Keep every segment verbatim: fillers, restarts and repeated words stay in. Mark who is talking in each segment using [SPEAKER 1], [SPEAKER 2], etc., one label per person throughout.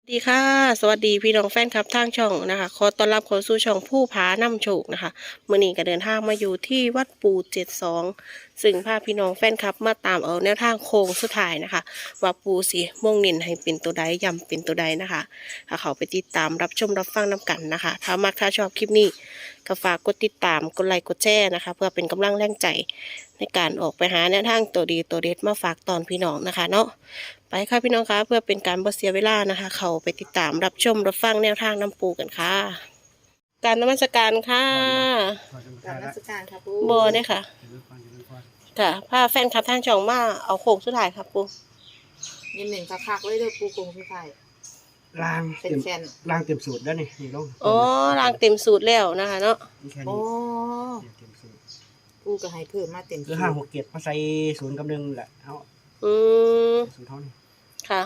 [SPEAKER 1] ดีค่ะสวัสดีพี่น้องแฟนคลับทางช่องนะคะขอต้อนรับเข้าสู่ช่องผู้ผานำโชคนะคะมื่อนี้ก็เดินทางมาอยู่ที่วัดปู่เจ็ดสองซึ่งพาพี่น้องแฟนคลับมาตามเอาแนวทางโค้งสุดท้ายนะคะว่าปู่สิม่วงนินให้เป็นตัวใดย้ำเป็นตัวใดนะคะถ้าเขาไปติดตามรับชมรับฟังนำกันนะคะถ้ามักถ้าชอบคลิปนี้ก็ฝากกดติดตามกดไลค์กดแชร์นะคะเพื่อเป็นกำลังแรงใจในการออกไปหาแนวทางตัวดีตัวเด็ดมาฝากตอนพี่น้องนะคะเนาะ ไปค่ะพี่น้องคะเพื่อเป็นการบ่เสียเวลานะคะ เขาไปติดตามรับชมรับฟังแนวทางน้ำปูกันค่ะ การนมัสการค่ะ
[SPEAKER 2] การราชการค่ะปู
[SPEAKER 1] โบเนี่ยค่ะค่ะพาแฟนคลับทางช่องมาเอาโค้งสุดท้ายค่ะปู
[SPEAKER 2] ยินหนึ่งคักๆเลยเด้อปูกงสุดท้าย
[SPEAKER 3] ราง
[SPEAKER 2] เป็น
[SPEAKER 3] เต็ม
[SPEAKER 2] แฟน
[SPEAKER 3] รางเต็มสูตรแล้วนี่นี่ลง
[SPEAKER 1] อ๋อรางเต็มสูตรแล้วนะคะเนาะ
[SPEAKER 3] นี่แค่
[SPEAKER 2] โอ้
[SPEAKER 3] นี้เต็มสูตร
[SPEAKER 2] ปูก็ให้เพิ่มมาเต็ม
[SPEAKER 3] คือห้าหกเจ็ดมาใส่ศูนย์กับหนึ่งแหละเอา
[SPEAKER 1] อืม
[SPEAKER 3] ศูนย์เท่านี้
[SPEAKER 1] ค่ะ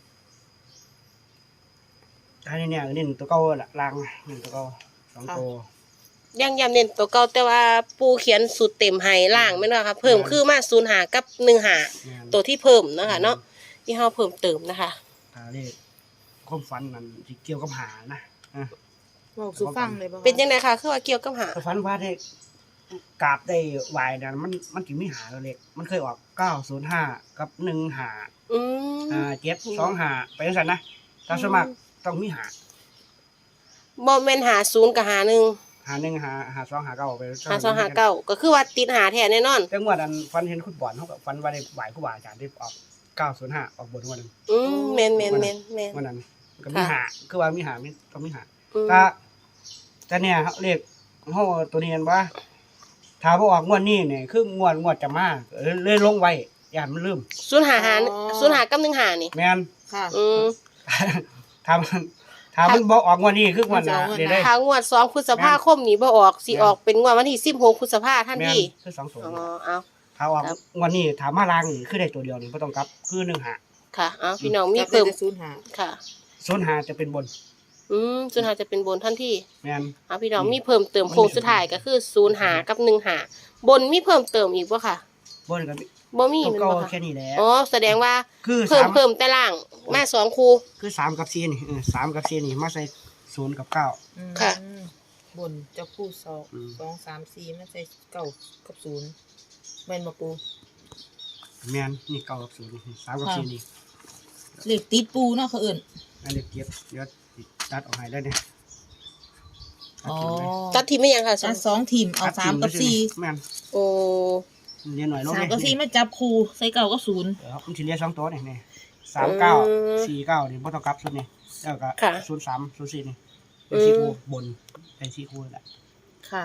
[SPEAKER 3] ท้ายนี่เนี่ยนี่ตัวเก่าละรางหนึ่งตัวเก่าสองตัว
[SPEAKER 1] ยังย้ำเน้นตัวเก่าแต่ว่าปูเขียนสูตรเต็มให้ล่างไม่น้อยค่ะเพิ่มคือมาศูนย์หากับหนึ่งหา
[SPEAKER 3] แม่น
[SPEAKER 1] ตัวที่เพิ่มนะคะเนาะที่เราเพิ่มเติมนะคะ
[SPEAKER 3] ถ้าเลขความฝันมันสิเกี่ยวกับหานะอ่ะ
[SPEAKER 2] บอกสุฟังเลยบ่คะ
[SPEAKER 1] เป็นยังไงคะคือว่าเกี่ยวกับหา
[SPEAKER 3] ถ้าฝันว่าได้กราบได้ไหวนะมันมันถึงไม่หาเราเล็กมันเคยออกเก้าศูนย์ห้ากับหนึ่งหา
[SPEAKER 1] อืม
[SPEAKER 3] อ่าเจ็ดสองหาไปจังซั่นนะถ้าสมัครต้องมีหา
[SPEAKER 1] บอมเมนหาศูนย์กับหาหนึ่ง
[SPEAKER 3] หาหนึ่งหาหาสองหาเก้าไป
[SPEAKER 1] หาสองหาเก้าก็คือว่าติดหาแท้แน่นอน
[SPEAKER 3] จังหวัดอันฟันเห็นคุณบอลเขากับฟันว่าได้ไหวครูบาอาจารย์ที่ออกเก้าศูนย์ห้าออกบนวันนั้น
[SPEAKER 1] อืมแมนแมนแมนแมน
[SPEAKER 3] วันนั้นก็มีหาคือว่ามีหามีต้องมีหา
[SPEAKER 1] อืม
[SPEAKER 3] ถ้าแต่เนี่ยเขาเรียกเขาตัวนี้กันว่าถ้าบ่ออกงวดนี้เนี่ยคืองวดงวดจะมาเลยเลยลงไว้อย่ามันลืม
[SPEAKER 1] ศูนย์หาหาศูนย์หากับหนึ่งหานี่
[SPEAKER 3] แม่น
[SPEAKER 2] ค่ะ
[SPEAKER 1] อืม
[SPEAKER 3] ถ้ามันถ้ามันบ่ออกงวดนี้คืองวดหน้า
[SPEAKER 2] มันจะเอางวดหน้า
[SPEAKER 3] ได้ได้
[SPEAKER 1] ทางงวดสองพฤษภาคมนี้บ่ออกสิออกเป็นงวดวันที่สิบหกพฤษภาท่าน
[SPEAKER 3] แม่น
[SPEAKER 1] พี่
[SPEAKER 3] คือสองตัว
[SPEAKER 1] อ๋อเอา
[SPEAKER 3] ถ้าออก
[SPEAKER 1] ครับ
[SPEAKER 3] งวดนี้ถามมาลางนี่คือได้ตัวเดียวนี่บ่ต้องกลับคือหนึ่งหา
[SPEAKER 1] ค่ะเอาพี่น้องมี
[SPEAKER 2] จับได้
[SPEAKER 1] เพิ่ม
[SPEAKER 2] แต่ศูนย์หา
[SPEAKER 1] ค่ะ
[SPEAKER 3] ศูนย์หาจะเป็นบน
[SPEAKER 1] อืมศูนย์หาจะเป็นบนท่านที่
[SPEAKER 3] แม่น
[SPEAKER 1] เอาพี่น้องมีเพิ่มเติมโครงสุดท้ายก็คือศูนย์หากับหนึ่งหาบนมีเพิ่มเติมอีกบ่ค่ะ
[SPEAKER 3] บนกับ
[SPEAKER 1] บ่มี
[SPEAKER 3] ตัว
[SPEAKER 1] แมัน
[SPEAKER 3] เก่า
[SPEAKER 1] บ่ค่ะ
[SPEAKER 3] แค่นี้แหละ
[SPEAKER 1] อ๋อแสดงว่า
[SPEAKER 3] คือ
[SPEAKER 1] เพิ่ม
[SPEAKER 3] สาม
[SPEAKER 1] เพิ่มแต่ล่างมาสองคู
[SPEAKER 3] คือสามกับสี่นี่เออสามกับสี่นี่มาใส่ศูนย์กับเก้า
[SPEAKER 2] อืม
[SPEAKER 1] ค่ะ
[SPEAKER 2] บนเจะปูสอง
[SPEAKER 3] อืม
[SPEAKER 2] สองสามสี่มันใส่เก้ากับศูนย์แม่นบ่ปู
[SPEAKER 3] แมนนี่เก้ากับศูนย์นี่สามกับสี่นี่
[SPEAKER 2] เลขติดปูเนาะเขาเอิ่น
[SPEAKER 3] อันนี้เก็บเดี๋ยวตัดออกให้ได้เนี่ย
[SPEAKER 2] อ๋อ
[SPEAKER 1] ตัดทีไม่ยังค่ะสอ
[SPEAKER 2] อั
[SPEAKER 1] ง
[SPEAKER 2] นสองทีมเอาสามกับสี่
[SPEAKER 3] แมน
[SPEAKER 1] โอ้
[SPEAKER 3] เรียนหน่อยลง
[SPEAKER 2] สาม
[SPEAKER 3] เลย
[SPEAKER 2] กับสี่มาจับคูใส่เก้ากับศูนย์
[SPEAKER 3] เดี๋ยวมันสิเรียนสองตัวนี่นี่สามเก้าสี่เก้านี่บ่ต้องกลับสุดนี่แล้วก็ศูนย์สามศูนย์สี่นี่เป็นสี่คู่บนเป็นสี่คู่แหละ
[SPEAKER 2] ค่ะ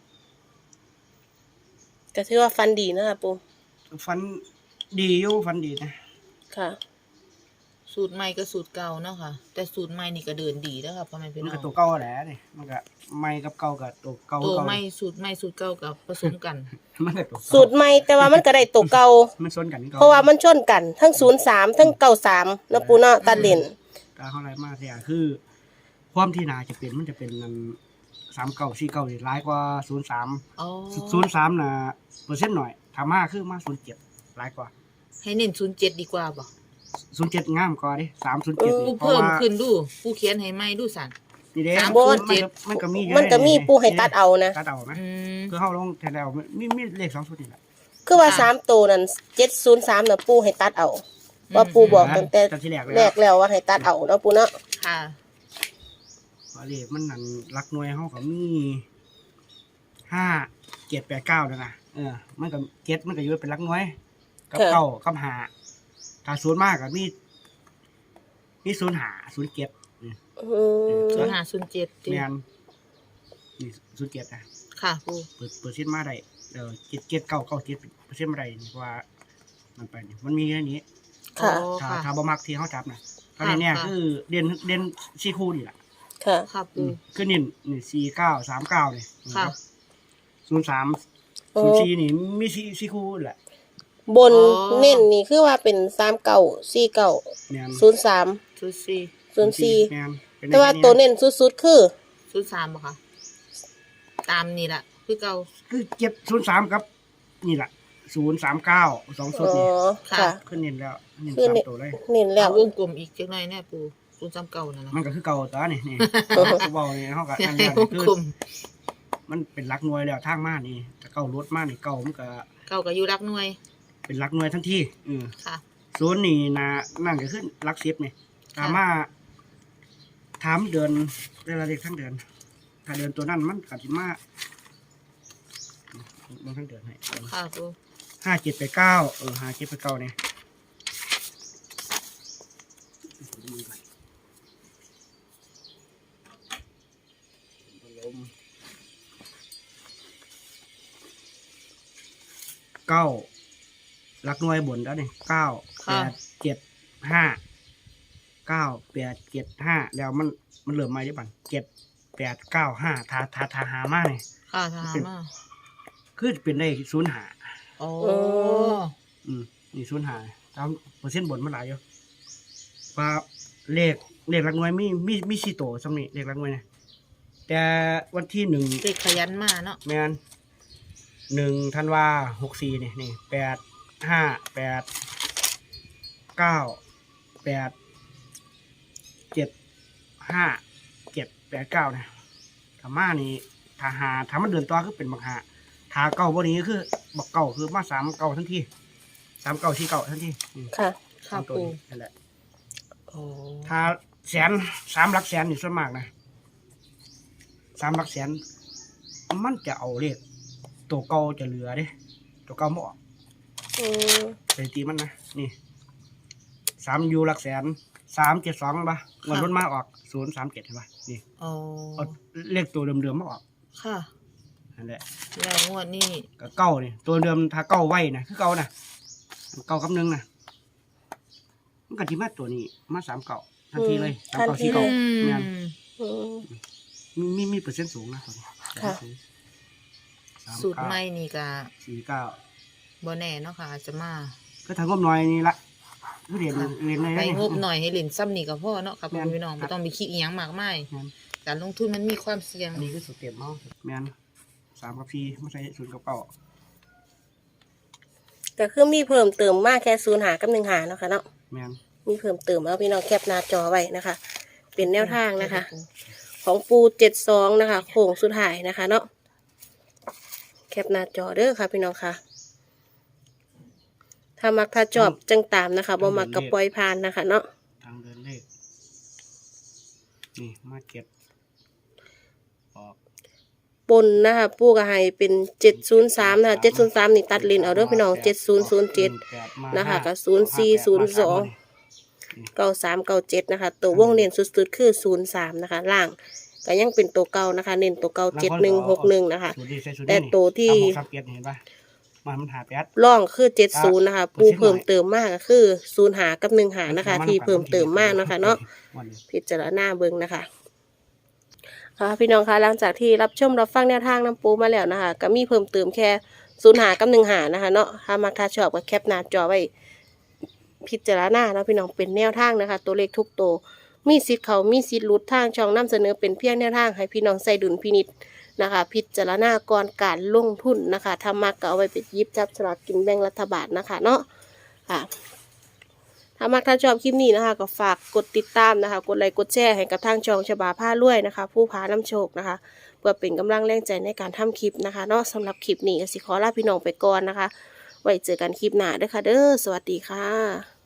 [SPEAKER 1] ก็ถือว่าฟันดีนะคะปู
[SPEAKER 3] ฟันดีอยู่ฟันดีนะ
[SPEAKER 1] ค่ะ
[SPEAKER 2] สูตรใหม่กับสูตรเก่าเนาะค่ะ แต่สูตรใหม่นี่ก็เดินดีแล้วค่ะพ่อแม่พี่
[SPEAKER 3] มัน
[SPEAKER 2] น้อ
[SPEAKER 3] ก็
[SPEAKER 2] ง
[SPEAKER 3] ตัวเก่าแหละนี่มันก็ไม่กับเก่ากับตัวเก่า
[SPEAKER 2] ตัว
[SPEAKER 3] เก่า
[SPEAKER 2] ใหม่สูตรใหม่สูตรเก่ากับผสมกัน
[SPEAKER 3] มันก็ตัวเก่า
[SPEAKER 1] สูตรใหม่แต่ว่ามันก็ได้ตัวเก่า
[SPEAKER 3] มันซ้นกันนี่
[SPEAKER 1] เพราะว่ามันชนกันทั้งศูนย์สามทั้งเก้าสามแล้วปูเนาะตัดเลน
[SPEAKER 3] การเท่าไรมากเนี่ยคือ ความที่นาจะเป็นมันจะเป็นนั้นสามเก้าสี่เก้าร้ายกว่าศูนย์สาม
[SPEAKER 2] อ๋อ
[SPEAKER 3] ศูนย์สามนะเปอร์เซ็นต์หน่อยทำมาคือมาศูนย์เจ็ดร้ายกว่า
[SPEAKER 2] ให้เน้นศูนย์เจ็ดดีกว่าบ่
[SPEAKER 3] ศูนย์เจ็ดงามกว่าดิสามศูนย์เจ็ด
[SPEAKER 2] กู
[SPEAKER 3] เพราะ
[SPEAKER 2] เพิ่ม
[SPEAKER 3] ว่า
[SPEAKER 2] ขึ้นดูกูเขียนให้ใหม่ดูสั่น
[SPEAKER 3] นี่เด้
[SPEAKER 2] สาม
[SPEAKER 3] มัน
[SPEAKER 2] ศูนย์เจ็ด
[SPEAKER 3] มันก็มีอยู่
[SPEAKER 1] มันก็มีปูให้ตัดเอานะ
[SPEAKER 3] ตัดเอาไหม
[SPEAKER 2] อืม
[SPEAKER 3] คือเข้าลงแทนแล้วมีมีเลขสองชุดนี่แหละ
[SPEAKER 1] คือว่าสามตัวนั้นเจ็ดศูนย์สามน่ะปูให้ตัดเอาว่าปูบอกตั้งแต่
[SPEAKER 3] ตัดที่แรกเลย
[SPEAKER 1] แรกแล้วว่าให้ตัดเอาเนาะปูเนาะ
[SPEAKER 2] ค่ะ
[SPEAKER 3] ว่าเลขมันนั่นรักหน่วยเขาก็มีห้าเจ็ดแปดเก้าแล้วนะเออมันก็เจ็ดมันก็อยู่เป็นรักหน่วยกับเก้ากับหาถ้าศูนย์มากก็มีมีศูนย์หาศูนย์เจ็ด
[SPEAKER 1] อืม
[SPEAKER 2] ศูนย์ห้าศูนย์เจ็ด
[SPEAKER 3] แมนนี่ศูนย์เจ็ดนะ
[SPEAKER 2] ค่ะปู
[SPEAKER 3] เปิดเปิดเส้นต์มาได้เดี๋ยวเจ็ดเจ็ดเก้าเก้าเจ็ดเปอร์เซ็นต์มาได้นี่เพราะว่ามันไปนี่มันมีแค่นี้
[SPEAKER 1] ค่ะ
[SPEAKER 2] อ๋อ
[SPEAKER 3] ถ้า
[SPEAKER 2] ค่ะ
[SPEAKER 3] ถ้าบ่มักที่เขาจับนะตอนนี้เนี่ย
[SPEAKER 2] ค่ะ
[SPEAKER 3] คือเด่นเด่นสี่คู่นี่แหละ
[SPEAKER 1] ค่ะ
[SPEAKER 2] ค่ะ
[SPEAKER 3] อื
[SPEAKER 2] ปู
[SPEAKER 3] มคือนี่นี่สี่เก้าสามเก้าเนี่ย
[SPEAKER 2] ค่ะ
[SPEAKER 3] ศูนย์สาม
[SPEAKER 1] โอ้
[SPEAKER 3] ศูนย์สี่นี่มีสี่สี่คู่แหละ
[SPEAKER 1] บนเน้นนี่คือว่าเป็นสามเก้าสี่เก้า
[SPEAKER 3] แมน
[SPEAKER 1] ศูนย์สาม
[SPEAKER 2] ศูนย์สี่
[SPEAKER 1] ศูนย์สี่
[SPEAKER 3] แมนเป็น
[SPEAKER 1] แต่ว่าตัวเน้นสุดๆคือ
[SPEAKER 2] ศูนย์สามบ่คะตามนี่แหละคือเก่า
[SPEAKER 3] คือเจ็ดศูนย์สามครับ นี่แหละศูนย์สามเก้าสองชุด
[SPEAKER 1] อ๋อ
[SPEAKER 3] นี่
[SPEAKER 1] ค่ะ
[SPEAKER 3] ขึ้นเน้นแล้วเน้น
[SPEAKER 1] คือ
[SPEAKER 3] สาม
[SPEAKER 1] เน้น
[SPEAKER 3] ตัวเลย
[SPEAKER 1] เน้นแล้ว
[SPEAKER 2] วงกลมอีกจักหน่อยแน่ปูศูนย์สามเก้านั่นนะ
[SPEAKER 3] มันก็คือเก่าตัวนี่นี่ เบาเนี่ยเขาก็อัน
[SPEAKER 2] ให้
[SPEAKER 3] นี้
[SPEAKER 2] วง
[SPEAKER 3] คือก
[SPEAKER 2] ลม
[SPEAKER 3] มันเป็นหลักหน่วยแล้วทางมานี่แต่เก่ารถมานี่เก่ามันก็
[SPEAKER 2] เก้าก็อยู่รักหน่วย
[SPEAKER 3] เป็นหลักหน่วยทันทีอือ
[SPEAKER 2] ค่ะ
[SPEAKER 3] ศูนย์นี่นานั่นก็ขึ้นหลักสิบนี่ถามว่าถามเดือนเวลาเด็กทั้งเดือนถ้าเดือนตัวนั้นมันก็สิมาลงทั้งเดือนให้
[SPEAKER 2] ค่ะปู
[SPEAKER 3] ห้าเจ็ดไปเก้าเออห้าเจ็ดไปเก้าเนี่ยเก้าหลักหน่วยบนแล้วนี่เก้าแปดเจ็ดห้าเก้าแปดเจ็ดห้าแล้วมันมันเหลือมาได้บันเจ็ดแปดเก้าห้าทาทาทาหามาเนี่ย
[SPEAKER 2] ค่ะทหารมา
[SPEAKER 3] คือเป็นได้ศูนย์หา
[SPEAKER 2] โอ้
[SPEAKER 3] อืมนี่ศูนย์หาตามเปอร์เซ็นต์บนมันหลายอยู่ว่าเลขเลขหลักหน่วยมีมีมีสี่ตัวสำนี้เลขหลักหน่วยเนี่ยแต่วันที่หนึ่ง
[SPEAKER 2] เด็กขยันมาเนาะ
[SPEAKER 3] แมนหนึ่งธันวาหกสี่นี่นี่แปดห้าแปดเก้าแปดเจ็ดห้าเจ็ดแปดเก้านะธรรมานี่ถ้าหาถ้ามันเดินต่อคือเป็นบักหาถ้าเก้าวันนี้คือบักเก้าคือมาสามเก้าทันทีสามเก้าสี่เก้าทันทีอืม
[SPEAKER 1] ค่ะ
[SPEAKER 2] ค่ะ
[SPEAKER 3] สามตัว
[SPEAKER 2] ปู
[SPEAKER 3] นี้นั่นแหละ
[SPEAKER 2] โอ้
[SPEAKER 3] ถ้าแสนสามหลักแสนนี่ส่วนมากนะสามหลักแสนมันจะเอาเลขตัวเก่าจะเหลือเด้ตัวเก่าไม่ออก
[SPEAKER 1] อืม
[SPEAKER 3] สถิติมันนะนี่สามยูหลักแสนสามเจ็ดสองป่ะเงินรถมาออกศูนย์สามเจ็ดเห็นป่ะนี่
[SPEAKER 2] โอ้
[SPEAKER 3] เอาเลขตัวเดิมๆมาออก
[SPEAKER 2] ค่ะ
[SPEAKER 3] นั่นแหละ
[SPEAKER 2] แล้วงวดนี้
[SPEAKER 3] ก็เก้านี่ตัวเดิมถ้าเก้าไว้นะคือเก้านะเก้ากับหนึ่งนะมันก็ที่มาตัวนี้มาสามเก้าทันทีเลยสามเก้าสี่เก้า
[SPEAKER 2] อื
[SPEAKER 3] เนี่ย
[SPEAKER 2] ม
[SPEAKER 1] อืม
[SPEAKER 3] มีมีมีเปอร์เซ็นต์สูงนะตัวนี้
[SPEAKER 1] ค่ะ
[SPEAKER 3] สาม
[SPEAKER 2] สูตร
[SPEAKER 3] เก้า
[SPEAKER 2] ใหม่นี่ก็
[SPEAKER 3] สี่เก้า
[SPEAKER 2] บ่แน่เนาะค่ะอาจจะมา
[SPEAKER 3] ก็ทางงบหน่อยนี่ละคือเรียน
[SPEAKER 2] ค่ะ
[SPEAKER 3] เรียนเลย
[SPEAKER 2] ไป
[SPEAKER 3] นะ
[SPEAKER 2] งบหน่อยให้เหรียญซ้ำนี่ก็พอเนาะค่ะพ่อ
[SPEAKER 3] แม่น
[SPEAKER 2] พี่น้อง
[SPEAKER 3] ครั
[SPEAKER 2] ไม่
[SPEAKER 3] บ
[SPEAKER 2] ต้องไปคิดอีหยังมากมาย
[SPEAKER 3] งั้น
[SPEAKER 2] การลงทุนมันมีความเสี่ยง
[SPEAKER 3] อันนี้คือสูตรเตรียมเมาส์แมนสามกับสี่ไม่ใช่ศูนย์กับเก้า
[SPEAKER 1] ก็คือมีเพิ่มเติมมากแค่ศูนย์หากับหนึ่งหาเนาะค่ะเนาะ
[SPEAKER 3] แมน
[SPEAKER 1] มีเพิ่มเติมเอาพี่น้องแคปหน้าจอไว้นะคะ เป็นแนวทางนะคะ ของปูเจ็ดสองนะคะโค้งสุดท้ายนะคะเนาะแคปหน้าจอเด้อค่ะพี่น้องค่ะ ถ้ามักถ้าจอบจังตามนะคะบ่มักกับปล่อยผ่านนะคะเนาะ
[SPEAKER 3] ทางเดินเลขนี่มาเก็บออก
[SPEAKER 1] ปนนะคะปูกระไฮเป็นเจ็ดศูนย์สามนะคะเจ็ดศูนย์สามนี่ตัดเลนเอาเด้อพี่น้องเจ็ดศูนย์ศูนย์เจ็ด นะคะกับศูนย์สี่ศูนย์สอง เก้าสามเก้าเจ็ดนะคะ ตัววงเน้นสุดๆคือศูนย์สามนะคะ ล่างก็ยังเป็นตัวเก่านะคะ เน้นตัวเก่าเจ็ดหนึ่งหกหนึ่งนะคะ
[SPEAKER 3] สูตรดีใส่สูตร
[SPEAKER 1] แต่
[SPEAKER 3] นี่
[SPEAKER 1] ตัวที่
[SPEAKER 3] สามหกสามเจ็ดเห็นปะมันมันหาแปด
[SPEAKER 1] ร่องคือเจ็ดศูนย์นะคะ ปูเพิ่มเติมมากก็คือศูนย์หากับหนึ่งหานะคะ ที่เพิ่มเติมมากนะคะเนาะ
[SPEAKER 3] วันนี้
[SPEAKER 1] พิจารณาเบิ่งนะคะค่ะพี่น้องคะหลังจากที่รับชมรับฟังแนวทางน้ำปูมาแล้วนะคะ ก็มีเพิ่มเติมแค่ศูนย์หากับหนึ่งหานะคะเนาะถ้ามักถ้าชอบก็แคปหน้าจอไว้พิจารณาแล้วพี่น้องเป็นแนวทางนะคะ ตัวเลขทุกตัวมีสิทธิ์เขามีสิทธิ์หลุดทางช่องนํเสนอเป็นเพียงแนวทางให้พี่น้องใส่ดุลพินิจนะคะ พิจารณาก่อนการลงทุนนะคะถ้ามักก็เอาไว้ไปหยิบจับสลากกินแบ่งรัฐบาลนะคะเนาะค่ะ ถ้ามักถ้าชอบคลิปนี้นะคะก็ฝากกดติดตามนะคะ กดไลค์กดแชร์ให้กับทางช่องฉบาผ้ารวยนะคะ ผู้พาน้ำโชคนะคะ เพื่อเป็นกำลังแรงใจในการทำคลิปนะคะเนาะสำหรับคลิปนี้ก็สิขอลาพี่น้องไปก่อนนะคะ ไว้เจอกันคลิปหน้าเด้อค่ะเด้อสวัสดีค่ะ